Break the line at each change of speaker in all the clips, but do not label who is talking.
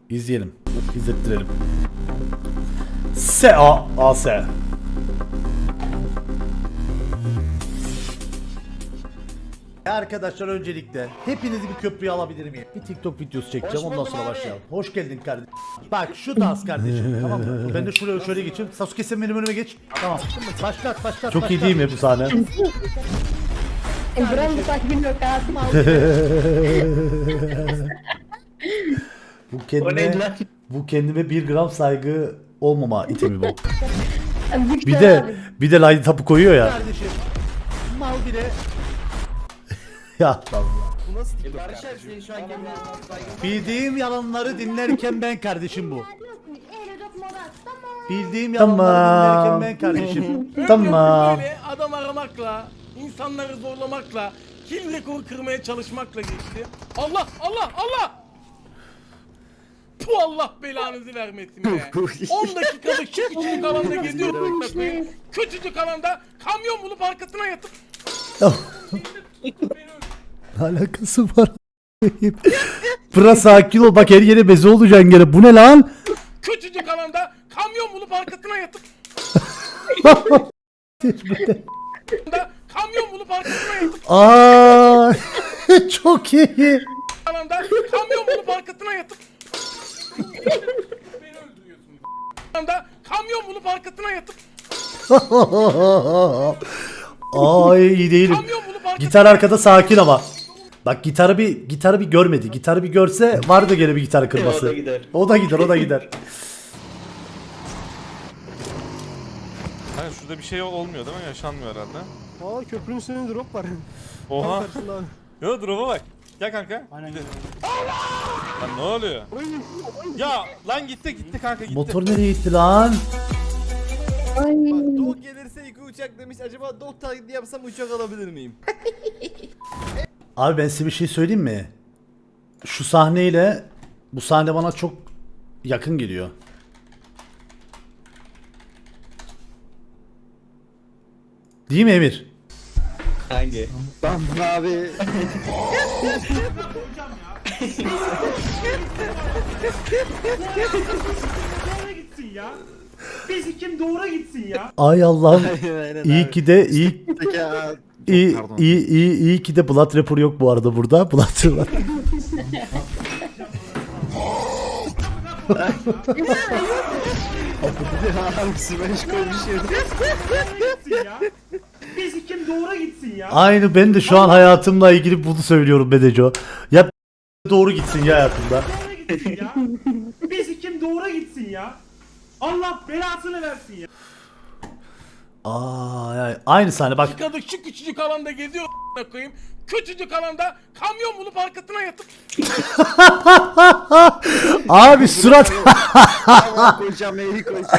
İzleyelim. İzlettirelim. S-A-A-S. Arkadaşlar öncelikle hepinizi bir köprüye alabilir miyim? Bir TikTok videosu çekeceğim ondan sonra başlayalım. Hoş geldin kardeşim. Bak şu dans kardeşim tamam mı? Ben de şuraya şöyle geçeyim. Sasuke sen benim önüme geç. Tamam. Başlat. Çok iyi değil mi bu sahne?
Buranın takibini yok hayatım
Bu kendime 1 gram saygı olmama itemi bu.
aldı.
Bir de line tapu koyuyor ya. Kardeşim. Mal bile. Ya bildiğim yalanları dinlerken ben kardeşim bu. Bildiğim yalanları dinlerken ben kardeşim. Tamam.
Böyle adam aramakla, insanları zorlamakla, kill rekoru kırmaya çalışmakla geçti. Allah! Bu Allah belanızı vermesin be. 10 dakikada şu küçücük alanda geziyorum. Küçücük alanda kamyon bulup arkasına yatıp
Alakası var. Biraz sakin ol bak her yere beze olacaksın gene. Bu ne lan?
küçücük alanda kamyon bulup arkasına yatıp kamyon bulup arkasına yatıp
Aa, çok iyi.
alanda kamyon bulup arkasına yatıp beni öldürüyorsunuz. Alanda kamyon bulup arkasına yatıp
Ay iyi değilim.
kamyon bulup arkasına
Gitar arkada sakin ama. Bak gitarı bir görmedi. Gitarı bir görse vardı gene bir gitar kırması. O da gider.
Hayır şurada bir şey olmuyor değil mi? Yaşanmıyor herhalde.
Aa köprünün üstünde drop var.
Oha.
Karşında abi.
Yo drop'a bak. Gel kanka.
Aynen.
Lan ne oluyor? Ya lan gitti kanka gitti.
Motor nereye gitti lan?
Dog gelirse iki uçak demiş. Acaba dog taklidi yapsam uçak alabilir miyim?
Abi ben size bir şey söyleyeyim mi? Şu sahneyle bu sahne bana çok yakın geliyor. Değil mi Emir?
Hangi?
Ben abi.
doğru gitsin ya. Bizi kim doğru gitsin ya.
Ay Allah'ım.
Aynen
İyi ki de iyi
Pardon.
iyi ki de Blood Rapper yok bu arada burada. Blood var.
Abi smash koymuş ya.
Bizi kim doğru gitsin ya.
Aynı ben de şu an hayatımla ilgili bunu söylüyorum Bedeco. Ya doğru gitsin ya hayatımda.
Doğru gitsin ya. Bizi kim doğru gitsin ya. Allah belasını versin ya.
Ay, aynı sahne bak.
Kadın şu küçücük alanda geziyor koyayım. Küçücük alanda kamyon bulup arkasına yatıp
Abi surat.
Koyacağım eğri koyacağım.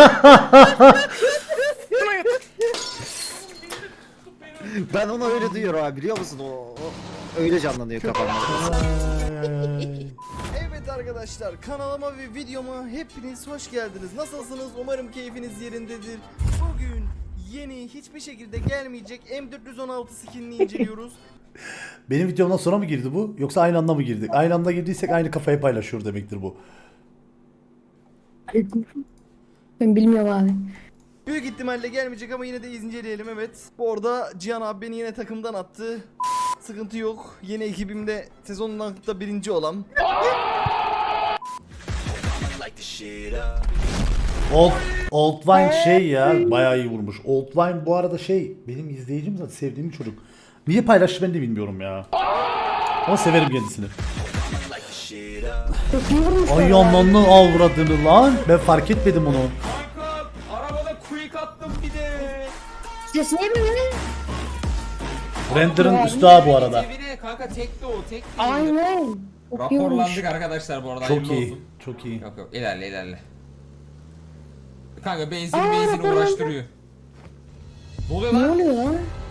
arkasına yatıp
Ben onu öyle duyuyorum abi biliyor musun? O öyle canlanıyor kafamda.
Evet arkadaşlar, kanalıma ve videoma hepiniz hoş geldiniz. Nasılsınız? Umarım keyfiniz yerindedir. Bugün yeni, hiçbir şekilde gelmeyecek M416 skinini inceliyoruz.
Benim videomdan sonra mı girdi bu? Yoksa aynı anda mı girdik? Aynı anda girdiysek aynı kafayı paylaşıyor demektir bu.
Ben bilmiyorum abi.
Büyük ihtimalle gelmeyecek ama yine de inceleyelim, evet. Bu arada Cihan abi beni yine takımdan attı. Sıkıntı yok. Yeni ekibimde sezonun da birinci olan.
Old Wine şey ya bayağı iyi vurmuş. Old Wine bu arada şey benim izleyicim zaten sevdiğim bir çocuk. Niye paylaştı ben de bilmiyorum ya. Ama severim kendisini.
Çok iyi vurmuş.
Ay ananı avradını lan. Ben fark etmedim onu.
Arabada quick attım bir de.
Ses niye böyle?
Render'ın üstü ha bu arada.
Evine kanka tekti o tek.
Aynen. Çok iyi vurmuş.
Raporlandık arkadaşlar bu arada.
Çok
hayırlı
iyi.
olsun.
Çok iyi.
Yok ilerle. Kanka benzin
raporlandı.
uğraştırıyor. Ne oluyor
Ne
lan?
oluyor lan?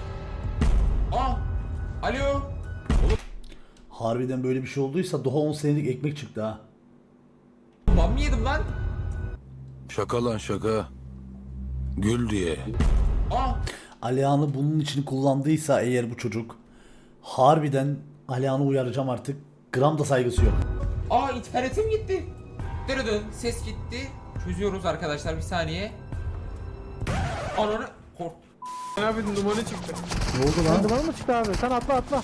Alo.
Harbiden böyle bir şey olduysa daha 10 senelik ekmek çıktı ha.
Ben mi yedim lan?
Şaka lan şaka. Gül diye.
Alihan'ı bunun için kullandıysa eğer bu çocuk harbiden Alihan'ı uyaracağım artık. Gram da saygısı yok.
İnternetim gitti. Dırıdın ses gitti. Çözüyoruz arkadaşlar bir saniye. Ananı kork.
Abi numara çıktı.
Ne oldu lan?
Duman mı çıktı abi? Sen atla atla.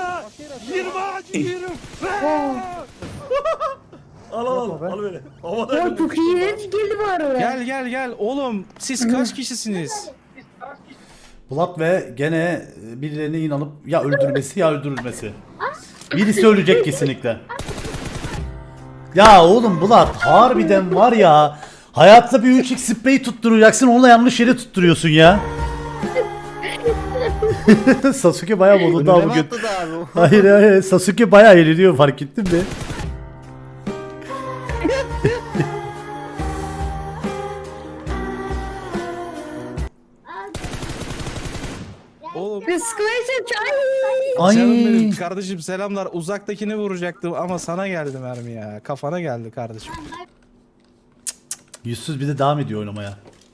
Al böyle. Havada
Ya çok iyi geldi bu arada.
Gel oğlum siz kaç kişisiniz?
Bulat ve gene birilerine inanıp ya öldürmesi ya öldürülmesi. Birisi ölecek kesinlikle. Ya oğlum Bulat harbiden var ya. Hayatta bir 3x spreyi tutturacaksın, onu da yanlış yere tutturuyorsun ya. Sasuke bayağı modunda
Önüme
bugün.
atladı abi.
Hayır Sasuke bayağı eğleniyor, fark ettin mi?
Oğlum
Kıskılaysa çay.
canım
Ay.
benim kardeşim selamlar. Uzaktakini vuracaktım ama sana geldi mermi ya. Kafana geldi kardeşim.
Yüzsüz bir de devam ediyor oynamaya.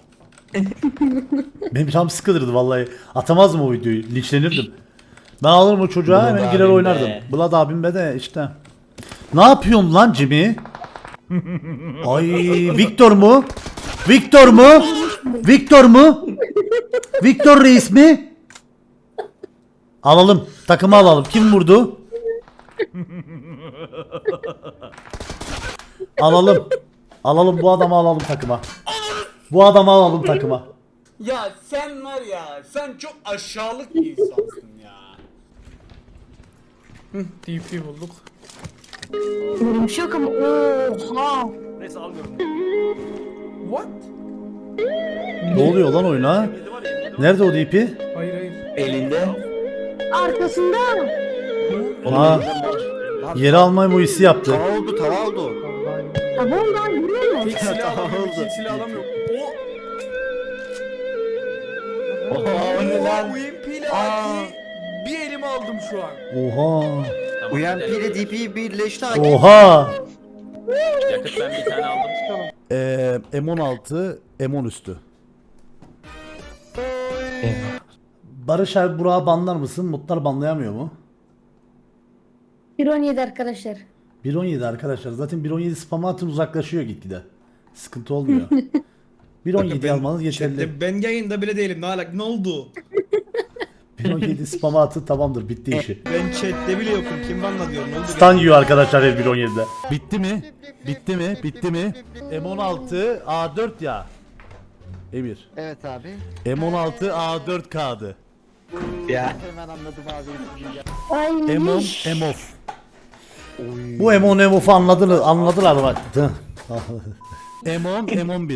Benim tam sıkılırdı vallahi. Atamazdım o videoyu. Linçlenirdim. Ben alırım o çocuğa, hemen girer oynardım. Bulat abim be de işte. Ne yapıyorum lan Jimmy? Ay Victor mu? Victor mu? Victor mu? Victor reis mi? Alalım. Takımı alalım. Kim vurdu? Alalım. Alalım bu adamı, alalım takıma. Bu adamı alalım takıma.
Ya sen var ya, sen çok aşağılık bir insansın ya. TP bulduk.
Vurmuş yok ama oha.
What?
Ne oluyor lan oyuna? Nerede o DP?
Hayır.
Arkasında.
Ha. Yeri almayı bu hissi yaptı.
Tava oldu tava oldu.
Tamam lan vuruyor mu?
Tek silah alamıyorum,
Oldu.
ikinci silah alamıyorum.
O ne lan?
UMP ile AK'yi bir elime aldım şu an.
Oha.
UMP ile DP birleşti abi.
Oha.
Yakıt ben bir tane aldım.
M16, M10 üstü. Barış abi Burak'ı banlar mısın? Mutlar banlayamıyor mu?
1.17 arkadaşlar.
1.17 arkadaşlar. Zaten 1.17 spam atın, uzaklaşıyor gitgide. Sıkıntı olmuyor. 1.17 almanız yeterli.
Ben yayında bile değilim. Ne oldu?
1.17 spam atın, tamamdır, bitti işi.
Ben chatte bile yokum. Kim banla diyor? Ne oldu?
Stun yiyor arkadaşlar her 1.17'de. Bitti mi? Bitti mi? Bitti mi? M16 A4 ya. Emir.
Evet abi.
M16 A4 kağıdı.
Ya.
Hemen anladım abi.
Ay.
M10 M-Off. Bu M10 M-Off'u anladılar bak. M10 M11.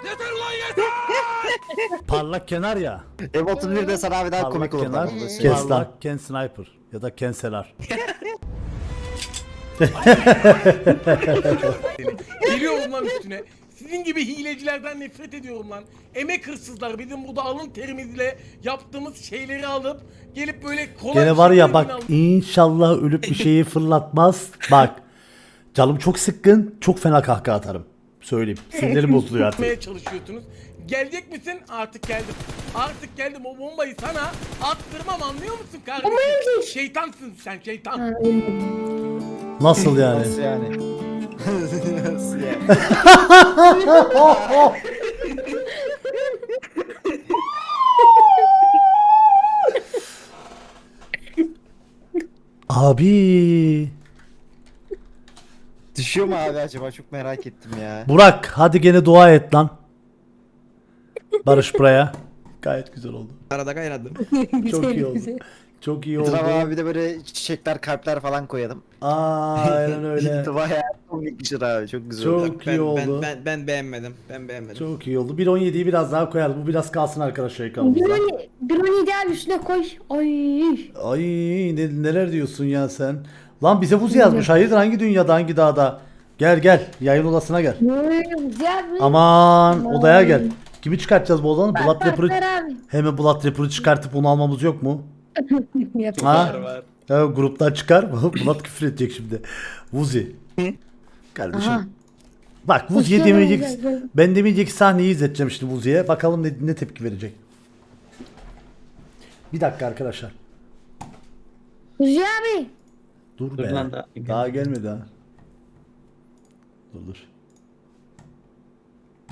Parlak kenar ya.
M31 de sana abi daha komik olur.
kenar.
Tamam,
Kes lan. Ken Sniper. Ya da Ken Selar.
Geliyorum lan üstüne. Sizin gibi hilecilerden nefret ediyorum lan. Emek hırsızlar, bizim burada alın terimizle yaptığımız şeyleri alıp gelip böyle kolay
Gene var ya bak,
şeylerin
inşallah ölüp bir şeyi fırlatmaz. Bak. Canım çok sıkkın. Çok fena kahkaha atarım. Söyleyeyim. Sinirlerim bozuluyor artık.
almaya çalışıyorsunuz. Gelecek misin? Artık geldim. Artık geldim. O bombayı sana attırmam, anlıyor musun kardeşim? Şeytansın sen, şeytan.
Ha, öyle.
Nasıl yani?
Nasıl yani? Nasıl yani?
Abi.
Düşüyor mu abi acaba? Çok merak ettim ya.
Burak hadi gene dua et lan. Barış buraya. Gayet güzel oldu.
Arada kaynadım.
Çok iyi oldu.
güzel.
Çok iyi oldu.
Etrafa abi de böyle çiçekler, kalpler falan koyalım.
Aynen öyle.
Bayağı komikmiştir abi. Çok güzel oldu.
Çok iyi oldu.
Ben beğenmedim. Ben beğenmedim.
Çok iyi oldu. 1.17'yi biraz daha koyarız. Bu biraz kalsın arkadaşlar ekranımızda.
1.17 abi üstüne koy. Ay.
Ay neler diyorsun ya sen? Lan bize buz yazmış. Hayırdır, hangi dünyada, hangi dağda? Gel gel. Yayın odasına gel.
Güzel.
Aman odaya gel. Kimi çıkartacağız bu odanı? Blood
Bak
Rapper'ı.
abi.
Hemen Blood Rapper'ı çıkartıp onu almamız yok mu?
Yap.
Ha? Ya, gruptan çıkar. Bulat küfür edecek şimdi. Vuzi. Kardeşim.
Aha.
Bak Vuzi'ye
Hoş geldin,
demeyecek.
güzel.
Ben demeyecek sahneyi izleteceğim şimdi Vuzi'ye. Bakalım ne tepki verecek. Bir dakika arkadaşlar.
Kuzi abi.
Dur be. Daha gelmedi ha. Dur.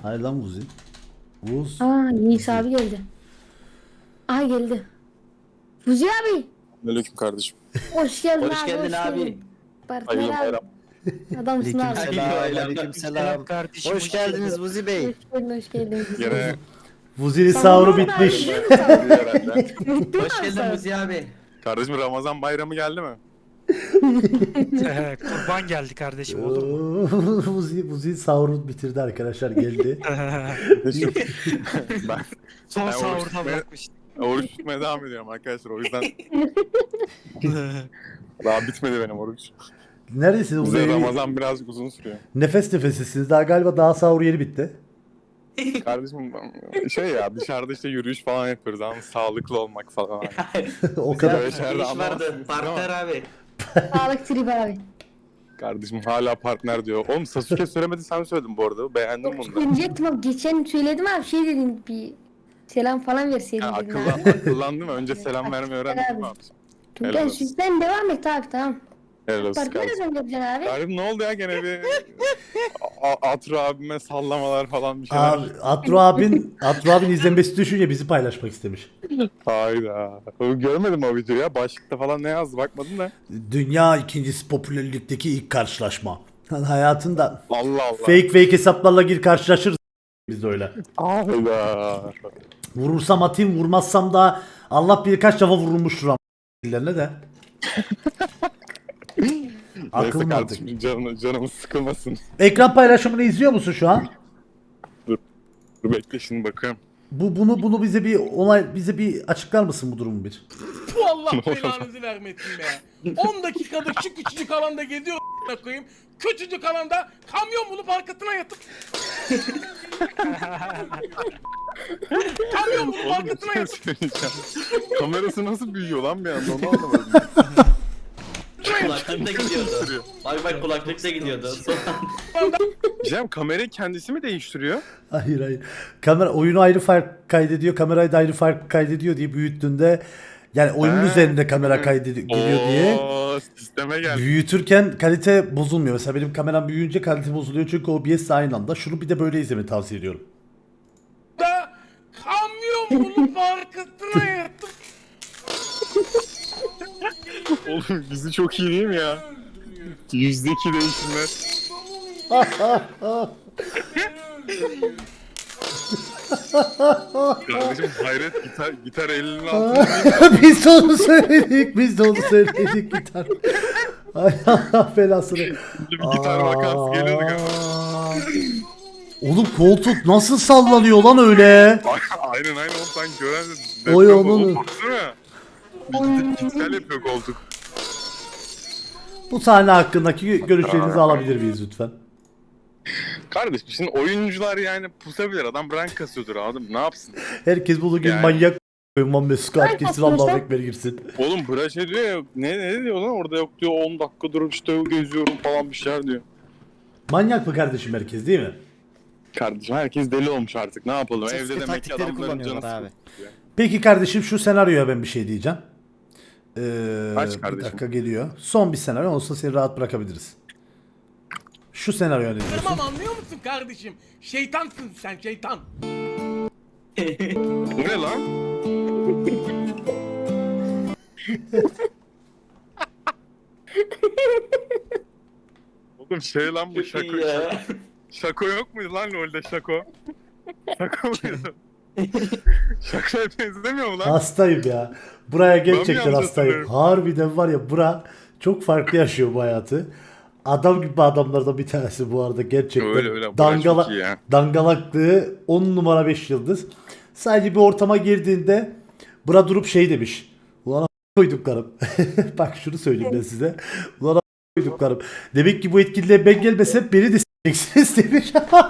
Hayır lan Vuzi. Vuz.
Aa Yiğit abi geldi. Aha geldi. Fuzi abi.
Aleyküm kardeşim.
Hoş geldin
Hoş
abi.
geldin abi.
geldin. Partner
Hayırlı
abi.
bayram.
Adamsın abi.
Aleykümselam. Hoş geldiniz Buzi Bey.
Hoş geldin.
Yine
Vuzi'nin sahuru bitmiş.
Hoş geldin Muzi abi.
kardeşim Ramazan bayramı geldi mi?
Kurban geldi kardeşim olur mu?
Vuzi sahuru bitirdi arkadaşlar geldi.
Ben
Son
oruç
sahurda
tutmaya-
bırakmıştım.
oruç tutmaya devam ediyorum arkadaşlar o yüzden daha bitmedi benim oruç.
Neredesiniz?
Bize
Vuzi?
Ramazan birazcık uzun sürüyor.
Nefes nefesisiniz. Daha galiba daha sahur yeni bitti.
Kardeşim şey ya dışarıda işte yürüyüş falan yapıyoruz ama sağlıklı olmak falan.
O kadar.
Böyle şeyler de anlamazsınız ama
abi.
Sağlık trip abi.
kardeşim hala partner diyor. Oğlum Sasuke söylemedi sen söyledin bu arada. Beğendim bunu da.
Diyecektim abi geçen söyledim abi şey dedim bir selam falan verseydin
Ha,
dedim abi.
akıllandım önce selam vermeyi öğrendim mi abi?
Tuncay
Helal olsun.
sütten devam et abi tamam.
Helal olsun
Partner
kardeşim.
ödem yapacaksın abi.
Kardeşim ne oldu ya gene bir Atro abime sallamalar falan bir şeyler.
Abi, Atro abin izlenmesi düşünce bizi paylaşmak istemiş.
Hayda. Görmedim o videoyu ya. Başlıkta falan ne yazdı bakmadım da.
Dünya ikincisi popülerlikteki ilk karşılaşma. Hayatında
Allah Allah.
fake hesaplarla gir karşılaşırız biz de öyle.
Hayda.
Vurursam atayım, vurmazsam da Allah bilir kaç defa vurulmuştur ama de. Akıl
Neyse
mantık.
kardeşim canımız sıkılmasın.
Ekran paylaşımını izliyor musun şu an?
Dur bekle şimdi bakıyorum.
Bunu bize bir açıklar mısın bu durumu bir?
Bu Allah belanızı vermesin be. 10 dakikada şu küçücük alanda geziyor a**ına koyayım. Küçücük alanda kamyon bulup arkasına yatıp kamyon bulup
Oğlum bir
arkasına
şey
yatıp
söyleyeceğim. Kamerası nasıl büyüyor lan bir anda onu anlamadım.
Kulaklıkta gidiyordu. Bak kulaklıkta gidiyordu.
Cem kamerayı kendisi mi değiştiriyor?
Hayır. Kamera oyunu ayrı fark kaydediyor, kamerayı da ayrı fark kaydediyor diye büyüttüğünde yani oyunun
Ha.
üzerinde kamera kaydediyor diye
Oo, sisteme geldi.
büyütürken kalite bozulmuyor. Mesela benim kameram büyüyünce kalite bozuluyor çünkü OBS aynı anda. Şunu bir de böyle izlemeni tavsiye ediyorum.
da kamyon bulup arkasına yatıp
Oğlum bizi çok iyi değil mi ya? %2 değişimler. Kardeşim hayret gitar elinin altında değil mi?
Biz de onu söyledik gitar. Ay Allah belasını.
Bir gitar vakası geliyordu galiba.
Oğlum koltuk nasıl sallanıyor lan öyle?
Aynen oğlum sen gören de
Oy
deprem
onun.
oldu, baksana. Bir git yapıyor koltuk.
Bu sahne hakkındaki görüşlerinizi alabilir miyiz lütfen?
Kardeşim şimdi oyuncular yani pusabilir adam rank kasıyordur adam ne yapsın?
Herkes bunu gibi
Yani.
manyak koyman Mesut
Ay,
herkesin
aslında
Allah'a
sen-
ekber girsin.
Oğlum bırak şey diyor ya ne diyor lan orada yok diyor 10 dakika durup işte geziyorum falan bir şeyler diyor.
Manyak mı kardeşim herkes değil mi?
Kardeşim herkes deli olmuş artık ne yapalım
Sesli
evde demek ki
taktikleri
adamların canı
kullanıyorlar abi.
sıkılıyor.
Peki kardeşim şu senaryoya ben bir şey diyeceğim.
Aç
Bir
kardeşim.
dakika geliyor. Son bir senaryo olsa seni rahat bırakabiliriz. Şu senaryo ne diyorsun?
Tamam anlıyor musun kardeşim? Şeytansın sen şeytan.
Bu ne lan? Oğlum şey lan bu şako. Şako yok muydu lan LoL'de şako? Şako muydu? Şakoya benzemiyor mu lan?
Hastayım ya. Buraya gerçekten
yanlış
hastayım.
hatırlıyorum.
Harbiden var ya bura çok farklı yaşıyor bu hayatı. Adam gibi adamlardan bir tanesi bu arada gerçekten.
Öyle, bura çok iyi ya.
Dangalaklığı 10 numara 5 yıldız. Sadece bir ortama girdiğinde bura durup şey demiş. Ulan koyduklarım. Bak şunu söyleyeyim ben size. Ulan koyduklarım. Demek ki bu etkinliğe ben gelmesem beni de s**eksiniz demiş.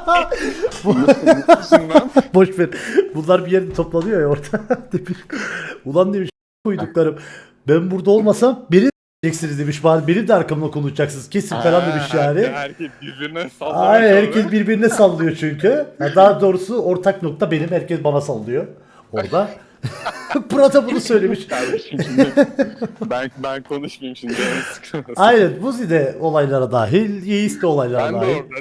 Boş ver. Bunlar bir yerde toplanıyor ya orada. Demiş. Ulan demiş koyduklarım. Ben burada olmasam beni de s**eksiniz demiş. Bari benim de arkamda konuşacaksınız. Kesin falan demiş yani.
Herkes birbirine sallıyor.
Ay herkes birbirine sallıyor çünkü. Ya daha doğrusu ortak nokta benim. Herkes bana sallıyor. Orada. Burada bunu söylemiş.
Kardeşim şimdi ben konuşmayayım şimdi canım sıkılmasın.
Aynen. Buzi de olaylara dahil. Yiğis de olaylara
Ben de
dahil.
orada zaten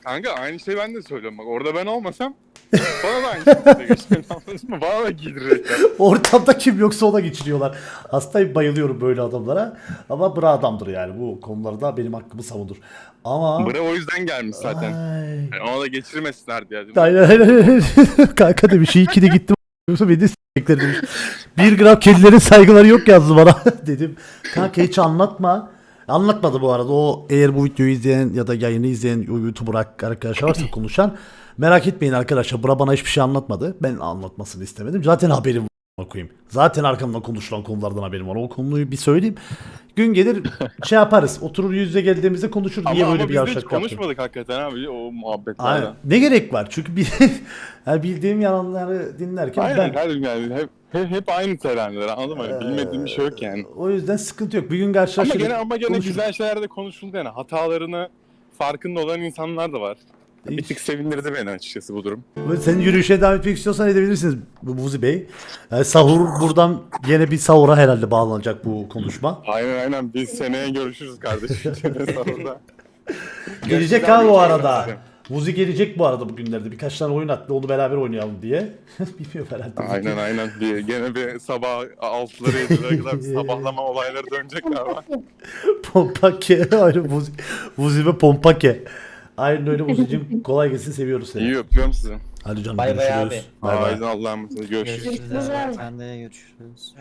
Kanka aynı şeyi ben de söylüyorum bak. Orada ben olmasam bana da aynı şekilde geçer. Anladın mı? Bana da giydirecekler.
Ortamda kim yoksa ona geçiriyorlar. Hastayım, bayılıyorum böyle adamlara. Ama bra adamdır yani, bu konularda benim hakkımı savunur. Ama...
Bre o yüzden gelmiş zaten.
Ay.
Yani ona da geçirmesinler diye. Değil mi?
Aynen. Kanka demiş, iyi ki de gittim. Yoksa beni s***ler demiş. 1 gram kedilerin saygıları yok yazdı bana. Dedim kanka hiç anlatma. Anlatmadı bu arada. O eğer bu videoyu izleyen ya da yayını izleyen YouTuber arkadaşlar varsa konuşan, merak etmeyin arkadaşlar. Bura bana hiçbir şey anlatmadı. Ben anlatmasını istemedim. Zaten haberim var koyayım. Zaten arkamdan konuşulan konulardan haberim var. O konuyu bir söyleyeyim. Gün gelir şey yaparız. Oturur yüz yüze geldiğimizde konuşur. Niye böyle bir
biz de hiç
yavşak yaptın?
konuşmadık hakikaten abi o
Aynen.
muhabbetlerden.
Ne gerek var? Çünkü yani bildiğim yalanları dinlerken
Aynen kardeşim yani hep aynı terenler anladın mı? Bilmediğim bir şey yok yani.
o yüzden sıkıntı yok. Bir gün karşılaşırız.
Ama gene
konuşuruz.
güzel şeyler de konuşuldu yani. Hatalarını farkında olan insanlar da var. Bir tık sevindirdi beni açıkçası bu durum.
Sen yürüyüşe devam etmek istiyorsan edebilirsiniz Buzi Bey. Yani sahur buradan yine bir sahura herhalde bağlanacak bu konuşma.
Aynen biz seneye görüşürüz kardeşim. Sahurda.
Gelecek abi o arada. Buzi gelecek bu arada bugünlerde. Birkaç tane oyun attı, onu beraber oynayalım diye. Bilmiyorum herhalde.
Aynen. Gene bir sabah 6'lara 7'lere kadar bir sabahlama olayları dönecek galiba.
Pompake. Aynen Buzi ve Pompake. Aynen öyle Buzi'cim. Kolay gelsin, seviyoruz seni.
İyi öpüyorum sizi.
Hadi canım,
Bay bay
görüşürüz. Bay bay.
Haydi Allah'a emanet görüşürüz.
Görüşürüz abi.
Sen de görüşürüz.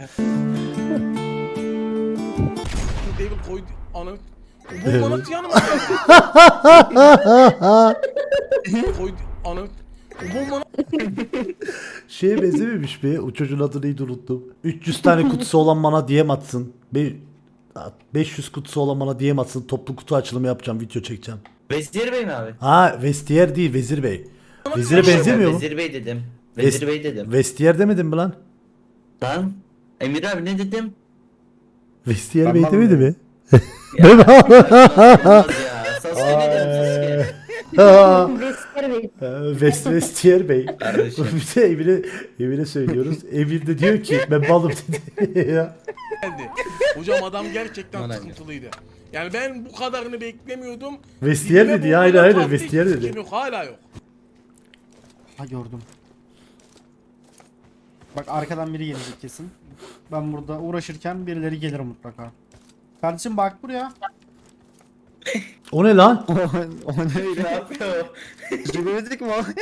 David koydu anı. Bu bana yanıma geldi. Koydu anı. Bu bana
Şeye benzememiş mi? O çocuğun adını neydi unuttum. 300 tane kutusu olan bana DM atsın. 500 kutusu olan bana DM atsın. Toplu kutu açılımı yapacağım, video çekeceğim.
Vezir Bey mi abi?
Ha, Vestiyer değil, Vezir Bey. Vezir'e benzemiyor mu?
Vezir Bey dedim. Vezir Bey dedim.
Vestiyer demedim mi lan?
Lan Emir abi ne dedim?
Vestiyer Bey demedi mi?
Ya, olmaz ya. Sasuke ne dedim Sasuke?
Vesker Bey.
Vestiyer Bey.
Kardeşim.
Bir de Emir'e söylüyoruz. Emir de diyor ki ben balım dedi. Ya.
geldi. Hocam adam gerçekten sıkıntılıydı. Yani ben bu kadarını beklemiyordum.
Vestiyer
Dibime
dedi ya,
vurmadan
aynen
tahta
Vestiyer
hiç
dedi.
kim yok, hala yok.
Ha gördüm. Bak arkadan biri gelecek kesin. Ben burada uğraşırken birileri gelir mutlaka. Kardeşim bak buraya.
O ne lan?
O ne
Ne yapıyor?
Gidemedik mi o?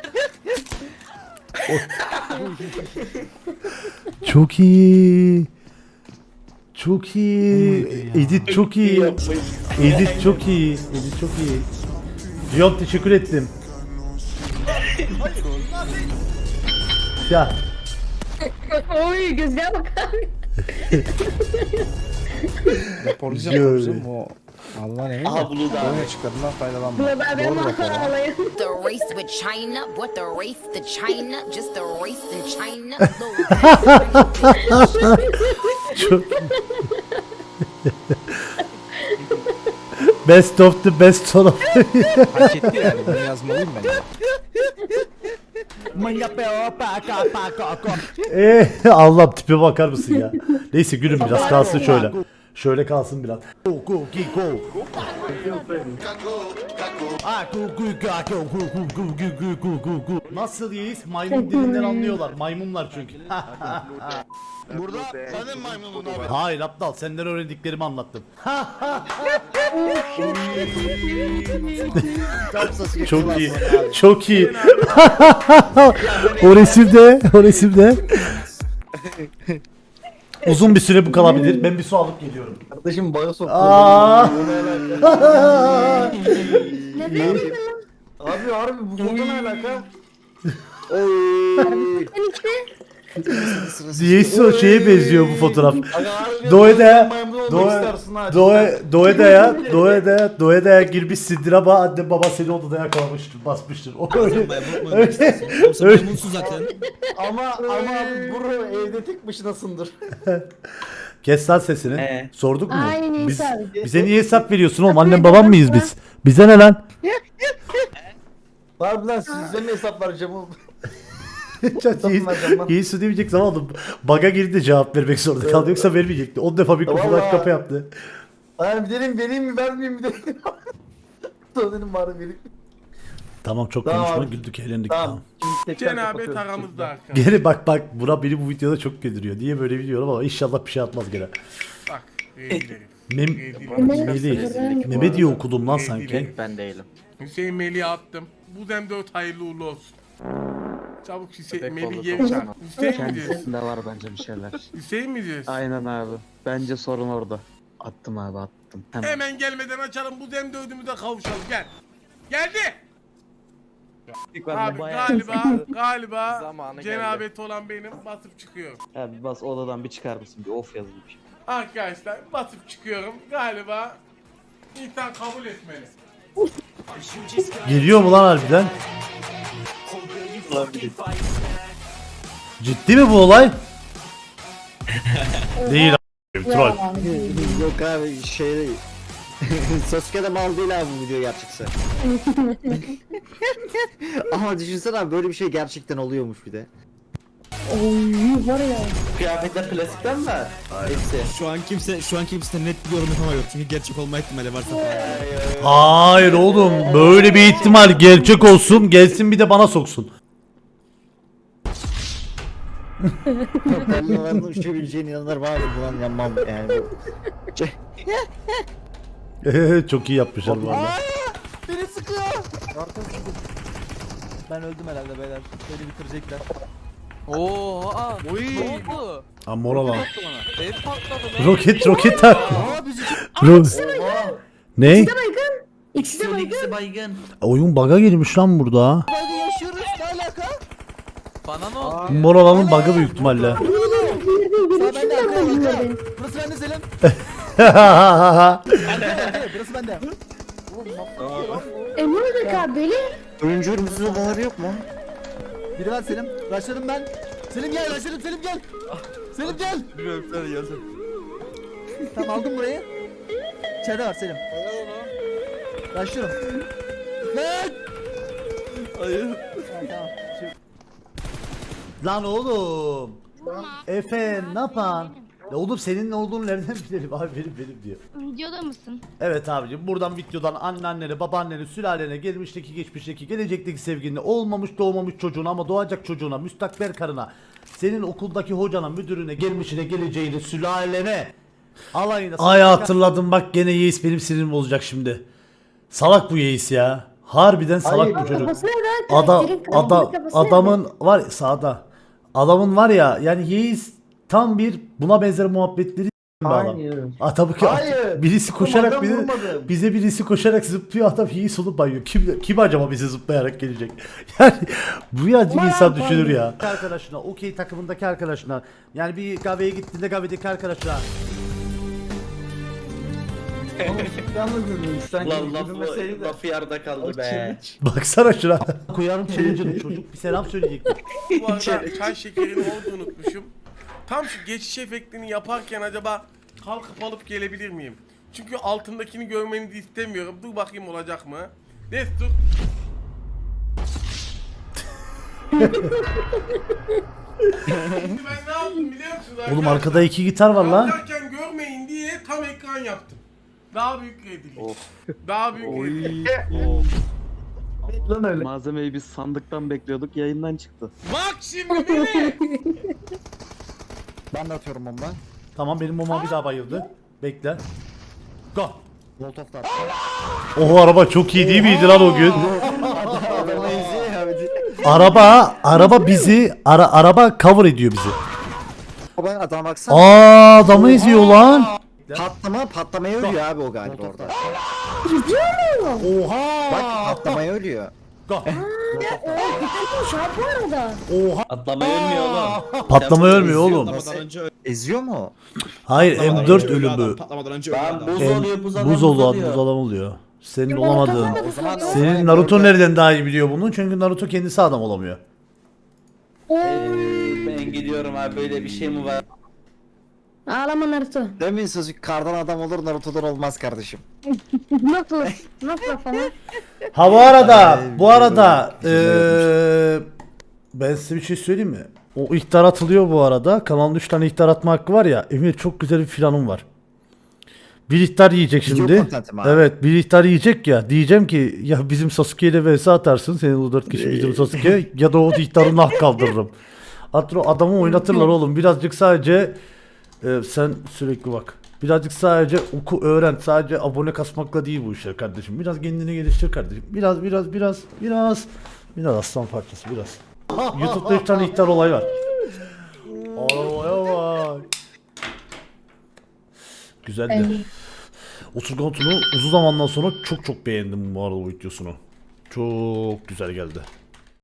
Çok iyi. Çok iyi. Edit çok iyi. Edit çok iyi. Edit çok iyi. Cihan teşekkür ettim. Ya
Oy gözlüğe bak abi.
Raporlayacağım o. Allah ne?
Aha Bulut abi.
Oyuna çıkarından faydalanma.
Burada ben
Doğru rapor.
alayım.
The race with China, what the race to China, just the race in China.
çok Best of the best son of.
Hak etti yani, bunu yazmalıyım ben.
Allah'ım tipe bakar mısın ya? Neyse gülüm biraz kalsın şöyle. Şöyle kalsın biraz. Nasıl yiyiz? Maymun dilinden anlıyorlar. Maymunlar çünkü.
Burada benim maymunum abi.
Hayır aptal, senden öğrendiklerimi anlattım. Çok iyi. Çok iyi. O resimde. Uzun bir süre bu kalabilir. Ben bir su alıp geliyorum.
Kardeşim baya soktu.
Aa!
Ne diyorsun?
Abi harbi bu foto ne alaka?
Sen işte.
Niyeyse o şeye benziyor bu fotoğraf. Doğeda'ya girmişsindir ama anne baba seni odada yakalamıştır, basmıştır. O öyle.
zaten. Ama buru evde tek başınasındır.
Kes lan sesini. Sorduk mu?
Aynen Neyse
Biz,
abi.
bize niye hesap veriyorsun oğlum? Annem babam mıyız biz? Bize ne lan?
Harbi lan size mi hesap vereceğim oğlum?
Yesu demeyecek zaman oğlum. Baga girdi de cevap vermek zorunda kaldı. Yoksa vermeyecekti. 10 defa mikrofonu
Vallahi.
kapı yaptı.
Hayır bir dedim vereyim mi vermeyeyim mi dedim. Sonra dedim bari vereyim.
Tamam çok
Tamam.
konuşma güldük eğlendik tamam.
Şimdi tekrar
Cenabet
kapatıyoruz.
aramızda arkadaşlar.
Geri bak Burak beni bu videoda çok güldürüyor. Niye böyle biliyorum ama inşallah bir şey atmaz gene.
Bak rezillerim.
Mehmet diye okudum lan sanki.
Ben değilim.
Hüseyin Melih'e attım. Bu zem 4 hayırlı uğurlu olsun. Çabuk Hüseyin
Köpek
Melih
balığı
geri
olsun.
çağır. Hüseyin mi diyorsun?
Kendisinde var bence bir şeyler.
Hüseyin mi diyorsun?
Aynen abi. Bence sorun orada. Attım abi attım.
Hemen gelmeden açalım bu zem 4'ümüze kavuşalım gel. Geldi. Abi galiba
Zamanı
cenabet olan benim basıp çıkıyorum.
Abi bas odadan bir çıkar mısın? Bir of yazılı bir şey.
Arkadaşlar basıp çıkıyorum. Galiba insan kabul etmeli.
Geliyor mu lan harbiden? Ciddi mi bu olay? Değil a**, troll.
Yok abi şey Sasuke'de mal değil abi bu video gerçekse. Ama düşünsene abi böyle bir şey gerçekten oluyormuş bir de.
Oy var ya.
Kıyafetler klasikten mi? Hepsi.
Şu an kimse net bir yorum yapamıyor. Çünkü gerçek olma ihtimali varsa falan.
Hayır oğlum böyle bir ihtimal gerçek olsun gelsin bir de bana soksun.
Onların uçabileceğine inanırım abi buna yanmam yani.
Çok iyi yapmışlar bu arada.
Beni sıkıyor. Ben öldüm herhalde beyler. Beni bitirecekler.
Oha. Ne oldu?
Ha moral al.
Ev patladı lan.
Roket tak. Ne?
İkisi de baygın.
baygın.
Oyun bug'a girmiş lan burada.
Hadi yaşıyoruz. Ne alaka?
Bana ne oldu?
Moralanın bug'ı büyük ihtimalle.
Sağ bende arkaya. Burası bende Selim. Burası bende.
Ne olacak abi böyle?
Oyuncu ölümsüz odaları yok mu?
Biri var Selim. Başladım ben. Selim gel, başladım Selim gel. Selim gel.
Bilmiyorum sen gelsin.
Tamam aldım burayı. İçeride var Selim. Başlıyorum. Lan!
Hayır.
Tamam.
Lan oğlum. Efe ne yapan? Ya oğlum senin ne olduğunu nereden bilelim abi benim diyor.
Videoda mısın?
Evet abicim buradan videodan anneannene, babaannene, sülalene, gelmişteki, geçmişteki, gelecekteki sevgiline, olmamış doğmamış çocuğuna ama doğacak çocuğuna, müstakbel karına, senin okuldaki hocana, müdürüne, gelmişine, geleceğine, sülalene, alayına. Ay hatırladım bak gene Yeis benim sinirimi bozacak şimdi. Salak bu Yeis ya. Harbiden salak bu çocuk.
Kafası nerede?
Adamın var ya sağda. Adamın var ya yani Yeis tam bir buna benzer muhabbetleri bir adam. Tabii ki birisi koşarak bize birisi koşarak zıplıyor adam Yeis olup bayıyor. Kim acaba bize zıplayarak gelecek? Yani bu yancık insan düşünür ya. Arkadaşına, okey takımındaki arkadaşına yani bir kahveye gittiğinde kahvedeki arkadaşına.
Lan lafı yarıda kaldı be.
Baksana şuna. Koyarım challenge'ını çocuk bir selam söyleyecekti.
Bu arada çay şekerini orada unutmuşum. Tam şu geçiş efektini yaparken acaba kalkıp alıp gelebilir miyim? Çünkü altındakini görmenizi istemiyorum. Dur bakayım olacak mı? Destur. Şimdi ben ne yaptım biliyor musunuz arkadaşlar?
Oğlum arkada 2 gitar var lan.
Yaparken görmeyin diye tam ekran yaptım. Daha büyük rezillik. Daha büyük rezillik.
Lan öyle. Malzemeyi biz sandıktan bekliyorduk yayından çıktı.
Bak şimdi beni.
Ben de atıyorum bomba.
Tamam benim mama bir daha bayıldı. Bekle. Go.
Molotov da
Oho araba çok iyi değil miydi lan o gün?
Adamı eziyor abi.
Araba bizi araba cover ediyor bizi.
Baba adam baksana.
Adamı eziyor lan.
Patlamaya ölüyor abi o galiba orada.
Oha.
Bak patlamaya ölüyor.
Go.
Şu an bu arada.
Oha.
Atlamayı ölmüyor oğlum.
Patlama ölmüyor oğlum.
Eziyor mu?
Hayır M4 ölümü.
Ben buz oluyor
Buz oluyor. Senin olamadığın.
O zaman
Senin Naruto nereden daha iyi biliyor bunu? Çünkü Naruto kendisi adam olamıyor.
Ben gidiyorum abi böyle bir şey mi var?
Ağlama Naruto.
Demin Sasuke kardan adam olur Naruto'dan olmaz kardeşim.
Nasıl? Nasıl falan?
Ha bu arada ben size bir şey söyleyeyim mi? O ihtar atılıyor bu arada. Kanalın 3 tane ihtar atma hakkı var ya. Emir çok güzel bir planım var. Bir ihtar yiyecek
Video
şimdi.
content mi abi?
Evet, bir ihtar yiyecek ya. Diyeceğim ki ya bizim Sasuke ile vs atarsın. Senin o 4 kişi bizim Sasuke ya da o ihtarı nah kaldırırım. Adamı oynatırlar oğlum. Birazcık sadece sen sürekli bak. Birazcık sadece oku öğren. Sadece abone kasmakla değil bu işler kardeşim. Biraz kendini geliştir kardeşim. Biraz aslan parçası biraz. YouTube'da bir tane ihtar olay var. Olaya bak. Güzeldi. Oturgan Tun'u uzun zamandan sonra çok beğendim bu arada bu videosunu. Çok güzel geldi.